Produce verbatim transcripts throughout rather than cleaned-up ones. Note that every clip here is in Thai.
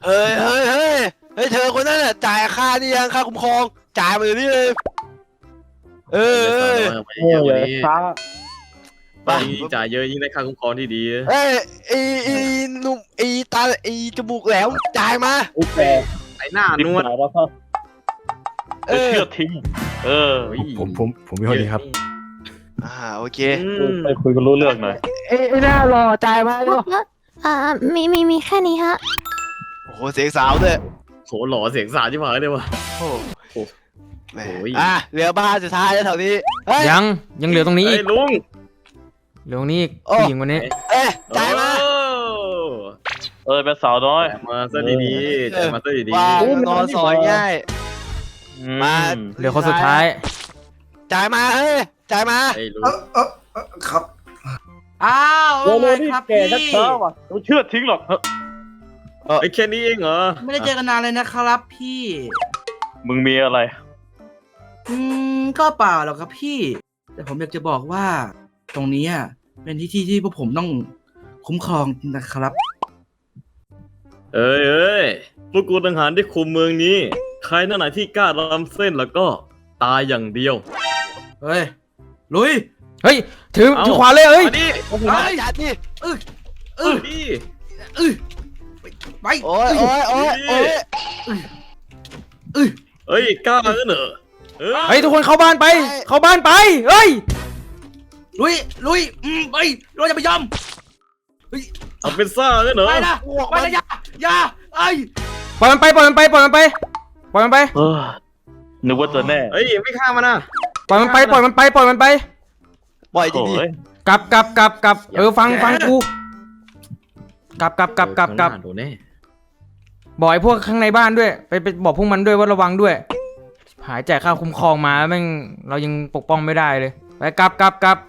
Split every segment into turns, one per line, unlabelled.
เฮ้ยเฮ้ยเฮ้ยเฮ้ยเธอคนนั้นน่ะจ่ายค่านี่ยังค่าคุ้มครองจ่ายมาเดี๋ยวนี้เลยเออเออ
เยอะกว่านี้
ไป
ยิ่งจ่ายเยอะยิ่งได้ค่าคุ้มครองที่ดี
เอ้ยไอ้ไอ้หนุ่มไอ้ตาไอ้จมูกแหลมจ่ายมา
อุ้ยแก
ไอ้หน้านวด
แล้วก็
เออ
เชื่อทิ้งเออ
ผมผมผมมีคนดีครับ
อ่าโอเค
ไปคุยกันรู้เรื่องหน่อย
เอ้ยไอ้หน้ารอจ่ายมาเนาะ
อ่ามีมีมีแค่นี้ฮะ
โอ้โหเสียงสาวด้วย
โหหล่อเสียงสาที่ผายเลยวะ
โอ้โห
โอ้ย
อ่ะเหลือบ้านสุดท้ายแล้วแถวนี้เฮ้ย
ยังยังเหลือตรงนี้
เฮ้
อี
ย
ก
ลุง
เหลือตรงนี้อีก
โอ้
ผู้หญิงคนนี้
เอ้ยจ่ายมา
เออเป็นสาวน้อย
จ่ายมาซะดีๆจ่ายมาซะดี
ว่านอนสอยง่าย
อื
มา
เหลือคนสุดท้าย
จ่ายมาเฮ้ยจ่ายมา
ๆไอ้ลุง
ครับ
อ้าว
โอ้โห
ว่า
นี่
ไงครับ
แก
พี่
ชักช้าว่ะไม่เชื่อทิ้งหรอกเฮ้ย
ไอ้แค่นี้เองเหรอ
ไม่ได้เจอกันนานเลยนะครับพี่
มึงมีอะไร
อืมก็เปล่าหรอกครับพี่ แต่ผมอยากจะบอกว่า ตรงนี้อ่ะเป็นที่ที่ที่พวกผมต้องคุ้มครองนะครับ
เอ้ยเอ้ยพวกกูต่างหากที่คุมเมืองนี้ ใครนั่นไหนที่กล้าล้ำเส้นแล้วก็ตายอย่างเดียว
เฮ้ยลุย
เฮ้ยถือ
เอ้า
ถือขวานเลยเอ้ย
มาดิ
มาจัดดิ
เออเอ
เอ้
อย
ดิ
เออไป
โอ้ยโอ้ยโอ้ยโอ้ย
เออ
เอ้ยกล้างั้นเหรอเอ้ย
เฮ้ยทุกคนเข้าบ้านไป เข้าบ้านไปเฮ้ย
ลุยลุยอืมไปเราจะไปยอม
เอาเป็นซ่างั้นเหรอ
ไปนะไปนะอย่าอย่าไอ้
ปล่อยมันไปปล่อยมันไปปล่อยมันไปปล่อยมันไป
เออนึกว่าจะแน่
เฮ้ยไม่ฆ่ามันนะ
ปล่อยมันไปปล่อยมันไปปล่อยมันไป
ปล่อยจริงดิ
โอ้ย
กลับกลับกลับกลับเออฟังฟังกูกลับกลับกลับกลับกลับ
โดนแน่
บอกไอ้พวกข้างในบ้านด้วยไปไปบอกพวกมันด้วยว่าระวังด้วย หายแจกค่าคุ้มครองมาแม่งเรายังปกป้องไม่ได้เลยไปกลับกลับกลับ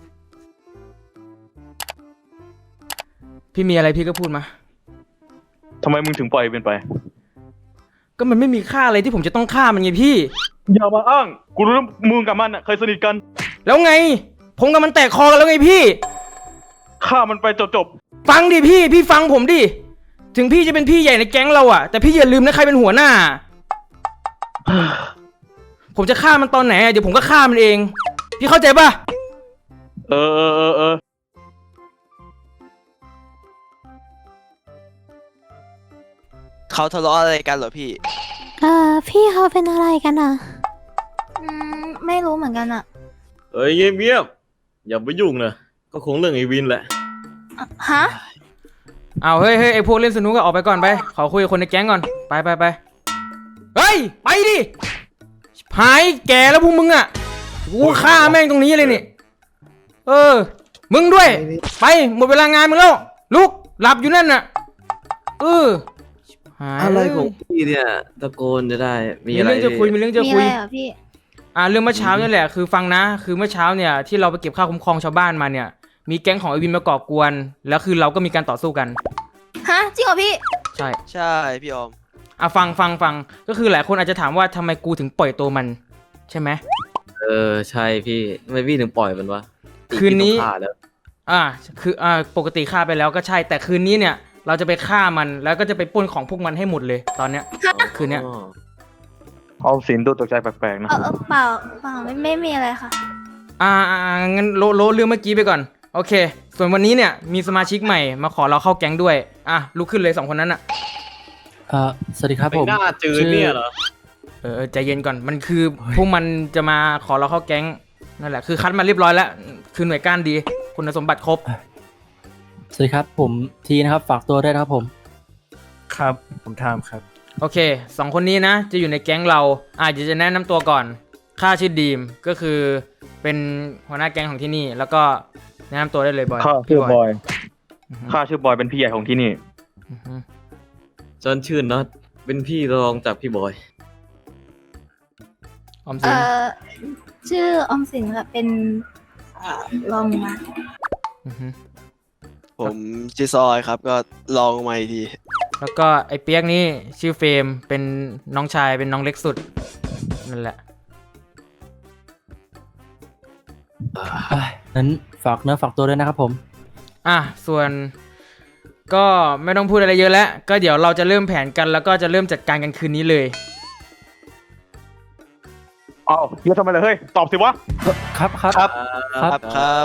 พี่มีอะไรพี่ก็พูดมา
ทำไมมึงถึงปล่อยเป็นไป
ก็มันไม่มีค่าอะไรที่ผมจะต้องฆ่ามันไงพี่
อย่ามาอ้าง กูรู้ว่ามึงกับมันน่ะเคยสนิทกัน
แล้วไง ผมกับมันแตกคอกันแล้วไงพี่
ฆ่ามันไปจบ
ฟังดิพี่ พี่ฟังผมดิ ถึงพี่จะเป็นพี่ใหญ่ในแก๊งเราอะแต่พี่อย่าลืมนะใครเป็นหัวหน้า ผมจะฆ่ามันตอนไหนอะเดี๋ยวผมก็ฆ่ามันเอง พี่เข้าใจปะ
ๆ เออเออเออเออ
เขาทะเลาะอะไรกันเหรอพี่
เอ่อพี่เขาเป็นอะไรกันอ่ะ อืมไม่รู้เหมือนกันอ่ะ
เอ้ยเงียบเงียบอย่าไปยุ่งนะก็คงเรื่องไอ้วินแหละ
ฮะ
เอาเฮ้ยเฮ้ยไอพวกเล่นสนุกก็ออกไปก่อนไป ขอคุยกับคนในแก๊งก่อน ไปไปไปเฮ้ย ไปดิหายแก่แล้วพวกมึงอะกูฆ่าแม่งตรงนี้เลยนี่ เออ มึงด้วย ไปหมดเวลางานมึงแล้ว ลุก หลับอยู่นั่นน่ะ เออหาย
อะไรของพี่เนี่ยตะโกนจะได้มี
มี
อะไร
เรื่องจะคุยมีเรื่องจะ
มี
คุ
อะไร
ย
เหรอพี่
อ่าเรื่องเมื่อเช้านี่แหละคือฟังนะคือเมื่อเช้าเนี่ยที่เราไปเก็บค่าคุ้มครองชาวบ้านมาเนี่ยมีแก๊งของไอวินมาก่อกวนแล้วคือเราก็มีการต่อสู้กัน
ฮะ จริงเหรอพี่
ใช่
ใช่พี่ออม
อ่ะฟังฟังฟังก็คือหลายคนอาจจะถามว่าทำไมกูถึงปล่อยตัวมันใช่ไหม
เออใช่พี่ทำไมพี่ถึงปล่อยมันวะ
คืนนี้
พี่ต้องฆ่าแล้ว
อ่าคืออ่าปกติฆ่าไปแล้วก็ใช่แต่คืนนี้เนี่ยเราจะไปฆ่ามันแล้วก็จะไปปล้นของพวกมันให้หมดเลยตอนเนี้ยคืนเนี้ย
อ๋อ
เอาสินดูตกใจแปลกๆนะ
เออเออเปล่าเปล่าไม่ไม่มีอะไรค่ะ
อ่าอ่าอ่างั้นโลโลเรื่องเมื่อกี้ไปก่อนโอเค ส่วนวันนี้เนี่ยมีสมาชิกใหม่มาขอเราเข้าแก๊งด้วยอ่ะลุกขึ้นเลยสองคนนั้นอ่ะ
เอ่อสวัสดีครับ
ไอ้
ผม
หน้าจืดเนี่ยเหรอ
เออใจเย็นก่อนมันคือพวกมันจะมาขอเราเข้าแก๊งนั่นแหละคือคัดมาเรียบร้อยแล้วคือหน่วยก้านดีคุณสมบัติครบ
สวัสดีครับผมทีนะครับฝากตัวด้วยนะครับผม
ครับ ผมทามครับ
โอเคสองคนนี้นะจะอยู่ในแก๊งเราอาจจะจะแนะนำตัวก่อนข้าชื่อดีมก็คือเป็นหัวหน้าแก๊งของที่นี่ แล้วก็แนะนำตัวได้เลยบอย
ข้าชื่อบอย
อือฮึ
ข้าชื่อบอยเป็นพี่ใหญ่ของที่นี่
อือฮึ
จนชื่นน็อตเป็นพี่รองจากพี่บอย
ออม
เอ
สิน
อชื่อออมสินค่ะเป็นเอ่อรองมา
อือฮึ
ผมชื่อซอยครับก็ลองมาอีกที
แล้วก็ไอ้เปียกนี่ชื่อเฟรมเป็นน้องชายเป็นน้องเล็กสุดนั่นแหละ
เอ้ยนั้นฝากเนื้อฝากตัวด้วยนะครับผม
อ่ะส่วนก็ไม่ต้องพูดอะไรเยอะแล้ว ก็เดี๋ยวเราจะเริ่มแผนกันแล้วก็จะเริ่มจัดการกันคืนนี้เลย
อ้าวเฮียทำไมล่ะเฮ้ย ตอบสิวะ
ครับครับ
ครับ
ครับ
ครับครับ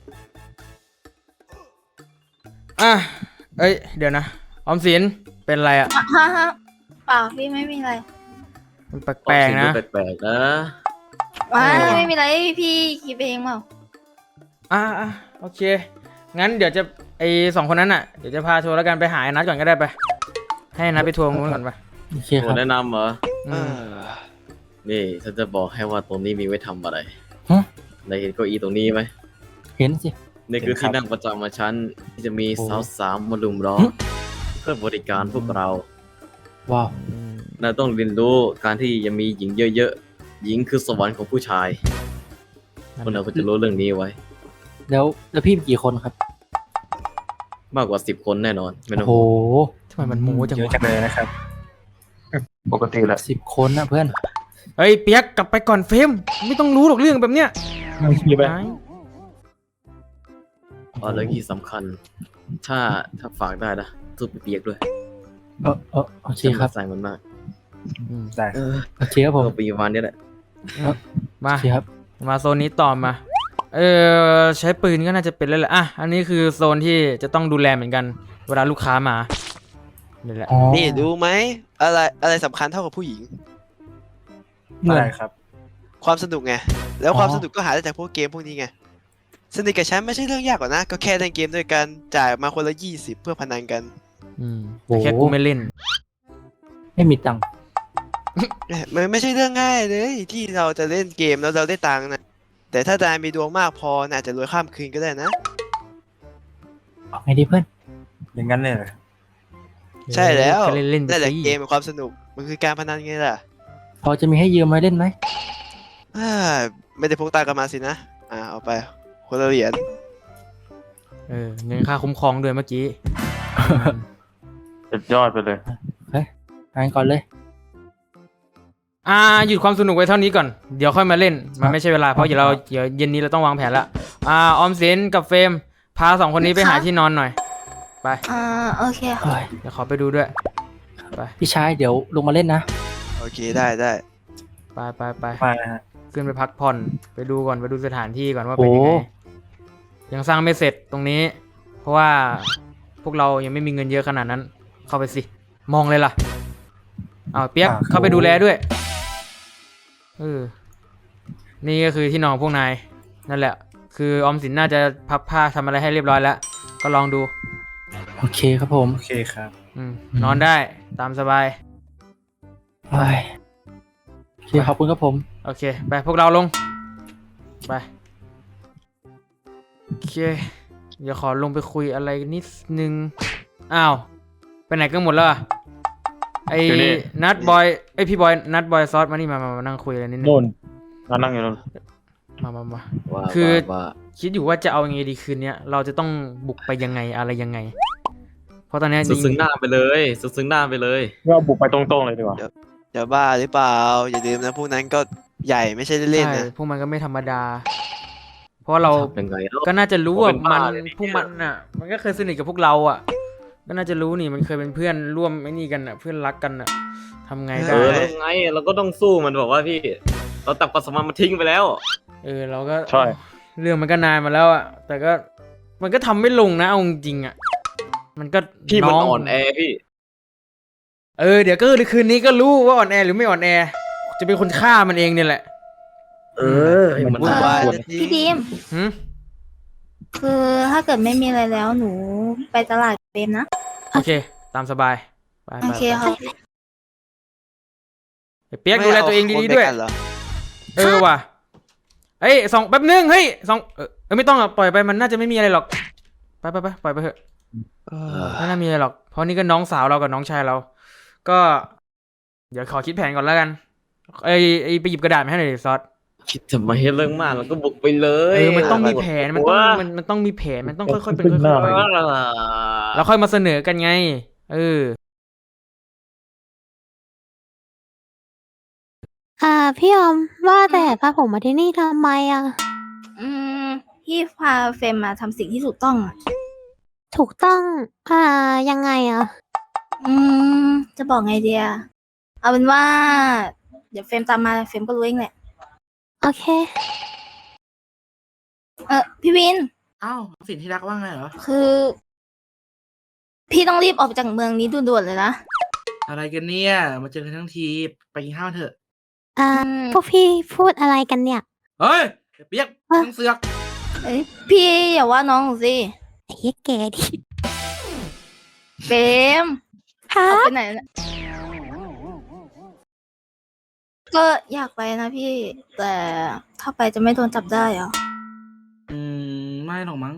อ่ะ เอ้ย เดี๋ยวนะ ออมสิน เป็นไรอ่ะ
ฮะฮะเปล่าพี่ไม่มีอะไร
มันแปลกๆนะ
แปลกๆนะ
ว้า
เออ
ไม่มีอะไรพี่คิดเองเปล่า
อ่ะอ่ะโอเค งั้นเดี๋ยวจะไอสองคนนั้นอ่ะ เดี๋ยวจะพาทัวร์แล้วกันไปหาไอ้นัดก่อนก็ได้ไป ให้นัดไปทัวร์ตรงนู้นก่อนไป
โอเค
โอ้
ครับ
แนะนำเหรอ
อื
เอ
ม
อ
นี่ฉันจะบอกให้ว่าตรงนี้มีไว้ทำอะไร
ฮะ
นายเห็นเก้าอี้ตรงนี้ไหม
เห็นสิ
นี่คือ
เห็นครับ
ที่นั่งประจำมาฉันที่จะมี
โอ้
สาวสามมาลุมล้อมเพื่อบริการพวกเรา
ว้าว
นายต้องเรียนรู้การที่จะมีหญิงเยอะๆ หญิงคือสวรรค์ของผู้ชายพวกเราก็จะรู้เรื่องนี้ไว้
แล้วแล้วพี่มีกี่คนครับ
มากกว่าสิบคนแน่นอน ไม่ต้อง
โอ้โห
ห่วง
ทำไมมันโม้จัง
เยอะ
วะ
จังเลยนะครับ
ปกติแหละ
สิบคนนะเพื่อน
เฮ้ยเปียกกลับไปก่อนเฟรมไม่ต้องรู้หรอกเรื่องแบบเนี้ย
มีไป
ไอ้
อ๋อแล้วที่สำคัญ ถ้าถ้าฝากได้นะทุบเปียกด้วย
เออเออโอเค
ฉัน
ครับ
ใส่มันมาก
อืม
ได้
เออ
โอเคครับผม
ก็ปีวันนี้แหละ
มา
โอเคครับ
มาโซนนี้ต่อมา เออใช้ปืนก็น่าจะเป็นแล้วแหละ อ่ะ อันนี้คือโซนที่จะต้องดูแลเหมือนกัน เวลาลูกค้ามานี่แหละ
อ๋อ
นี่ดูไหมอะไรอะไรสำคัญเท่ากับผู้หญิง
เหมือน
ได้ครับ
ความสนุกไง แล้ว
อ๋อ
ความสนุกก็หาได้จากพวกเกมพวกนี้ไง สนิทกับฉันไม่ใช่เรื่องยากหรอกนะ ก็แค่เล่นเกมด้วยกันจ่ายมาคนละยี่สิบเพื่อพนันกัน
อืมแต่แค่กูไม่เล่น
ไม่มีตังค์
มันไม่ใช่เรื่องง่ายเลยที่เราจะเล่นเกมแล้วเราได้ตังค์นะแต่ถ้านายมีดวงมากพอน่าจจะรวยข้ามคืนก็ได้นะ
เอาไงดีเพื่อน
อย่างนั้นเลยเหรอ
ใช่แล้ว
ก็เล่นเล่นๆไป
นั่นแหละ
สิ
เกมเป็นความสนุกมันคือการพนันไงล่ะ
พอจะมีให้ยืมมาเล่นไหม
อ่าไม่ได้พกตังค์กันมาสินะอ่าเอาไปคนละเหรียญ
เออเงินค่าคุ้มครองด้วยเมื่อกี้
สุดยอดไปเลย
งานก่อนเลย
อ่าหยุดความสนุกไว้เท่านี้ก่อน เดี๋ยวค่อยมาเล่น มันไม่ใช่เวลา เพราะเดี๋ยวเราเดี๋ยวเย็นนี้เราต้องวางแผนละอ่าออมสินกับเฟรมพาสองคนนี้ไปหาที่นอนหน่อย ไป
อ่าโอเคค่ะ
เฮ้ย
เดี๋ยวขอไปดูด้วย ไป
พี่ชายเดี๋ยวลงมาเล่นนะ
โอเคได้ได้
ไปไปไป
ไปนะฮะ
ขึ้นไปพักผ่อน ไปดูก่อน ไปดูสถานที่ก่อนว่าเป็นยังไง
โอ้
ยังสร้างไม่เสร็จตรงนี้ เพราะว่าพวกเรายังไม่มีเงินเยอะขนาดนั้น เข้าไปสิ มองเลยล่ะเอาเปียกเข้าไปดูแลด้วย เออ นี่ก็คือที่นอนของพวกนาย นั่นแหละ คือออมสินน่าจะพับผ้าทำอะไรให้เรียบร้อยแล้ว ก็ลองดู
โอเคครับผม
โอเคครับ
อืมนอนได้ตามสบาย
เฮ้ยโอเคขอบคุณครับผม
โอเค ไปพวกเราลง ไป โอเค เดี๋ยวขอลงไปคุยอะไรนิดนึง อ้าว ไปไหนกันหมดแล้วอะไอ้
อยู่นี่
นัดบอยไอยพี่บอย นัดบอยซอสมานี่มามามานั่งคุยอะไรนิดนึง
นู่นนั่งนั่งอยู่นู่น
มามามา
ว่า
คือ
ว่าว่า
คิดอยู่ว่าจะเอายังไงดีคืนเนี้ย เราจะต้องบุกไปยังไงอะไรยังไง เพราะตอนเนี้ย
สุดซึ้งหน้าไปเลยสุดซึ้งหน้าไปเลย
เราบุกไปตรงๆเลยดีกว่า
อย่าบ้าหรือเปล่า อย่าลืมนะพวกนั้นก็ใหญ่ไม่ใช่เล่นๆ
ใช่
นะ
พวกมันก็ไม่ธรรมดา เพราะเรา
เป็นไงแล้ว
ก็น่าจะรู้ว่า
เป็น
มัน
บ้าเลยเนี่ย
พวกมันน่ะ มันก็เคยสนิทกับพวกเราอ่ะ ก็น่าจะรู้นี่มันเคยเป็นเพื่อนร่วมไอ้นี่กันอ่ะ เพื่อนรักกันอ่ะทำไง
เอ
ได้
อแล้วไงเราก็ต้องสู้มันบอกว่าพี่ เราตัดความสัมพันธ์มาทิ้งไปแล้ว
เออเราก็
ใช่
เรื่องมันก็นานมาแล้วอ่ะ แต่ก็มันก็ทำไม่ลงนะเอาจริงๆอ่ะ มันก็
พี่มัน
ง
อ่อนแอพี่
เออเดี๋ยวก็คืนนี้ก็รู้ว่าอ่อนแอหรือไม่อ่อนแอ จะเป็นคนฆ่ามันเองเนี่ยแหละ
เออให้มัน
วุ่นวาย
ปวด
นะที
พี่ดีม
หืม
คือถ้าเกิดไม่มีอะไรแล้วหนูไปตลาดเฟรมนะ
โอเค ตามสบาย ไป
โอ
ไป
เค
ไป
ค่ะ
เปียกดูแลตัวเองดีๆด้วย
ไม่เอาคนไปกันเหรอ
เออว่ะเอ้ยสองแป๊บนึงเฮ้ยสองเออเออไม่ต้องอ่ะปล่อยไปมันน่าจะไม่มีอะไรหรอก ไปไปไปปล่อยไปเถอะ
เออ
ไม่น่ามีอะไรหรอก เพราะนี่ก็น้องสาวเรากับน้องชายเรา ก็ เดี๋ยวขอคิดแผนก่อนแล้วกันไอ้ไอ้ไปหยิบกระดาษมาให้หน่อยดิซอส
คิดทำไมให้เรื่องมากเราก็บุกไปเลย
เออมันต้องมีแผนมันต้อง
ว่า
มันมันต้องมีแผนมันต้องค่อยๆเป็นค่
หน้า
อยๆไปแล้วค่อยมาเสนอกันไง เออ
อ่าพี่ออมว่าแต่พาผมมาที่นี่ทำไมอ่ะ อืมพี่พาเฟรมมาทำสิ่งที่ถูกต้องอ่ะถูกต้อง อ่า ยังไงอะ
อืม จะบอกไงเดียเอาเป็นว่า เดี๋ยวเฟรมตามมาเฟรมก็รู้เองแหละ
โอเค
เออพี่วิน
อ้าวสินที่รักว่าไงเหรอ
คือ พี่ต้องรีบออกไปจากเมืองนี้ด่วนๆเลยนะ
อะไรกันเนี่ย มาเจอกันทั้งทีไปกินข้าวเถอะ
อ่า
อืม
พวกพี่พูดอะไรกันเนี่ย
เฮ้ยเปียกต้องเสือก
เอ้ยพี่อย่าว่าน้องหนูสิ
ไอ้เหี้ยแกดิ
เฟรม
ครั
ออก
บ
ไปไหนนะก็อยากไปนะพี่ แต่ถ้าไปจะไม่โดนจับได้เหรอ
อืม ไม่หรอกมั้ง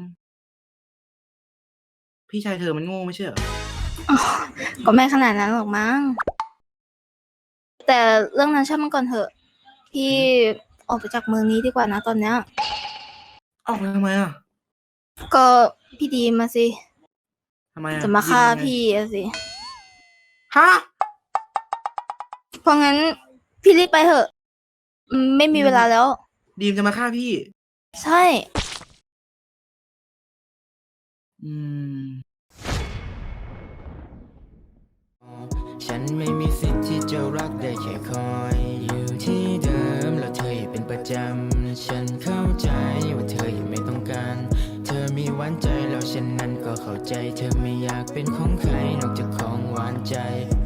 พี่ชายเธอมันโง่ไม่ใช่เหรอ
ก็ไม่ขนาดนั้นหรอกมั้ง แต่เรื่องนั้นช่างมันก่อนเถอะ พี่ออกไปจากเมืองนี้ดีกว่านะตอนเนี้ย
ออกไปทำไมอ่ะ
ก็พี่ดีมาสิ
ทำไมอ่ะ
จะมาฆ่า
ยิงยังไง
พี่อะสิ
ฮะ
เพราะงั้นพี่รีบไปเถอะอืมไม่มีเวลาแล้ว
ดีมจะมาฆ่าพี่
ใช่
อืม
ฉันไม่มีสิทธิ์ที่จะรักได้แค่คอยอยู่ที่เดิมแล้วเธออย่าเป็นประจำฉันเข้าใจว่าเธอยังไม่ต้องการเธอมีหวานใจแล้วฉันนั้นก็เข้าใจเธอไม่อยากเป็นของใครนอกจากของหวานใจ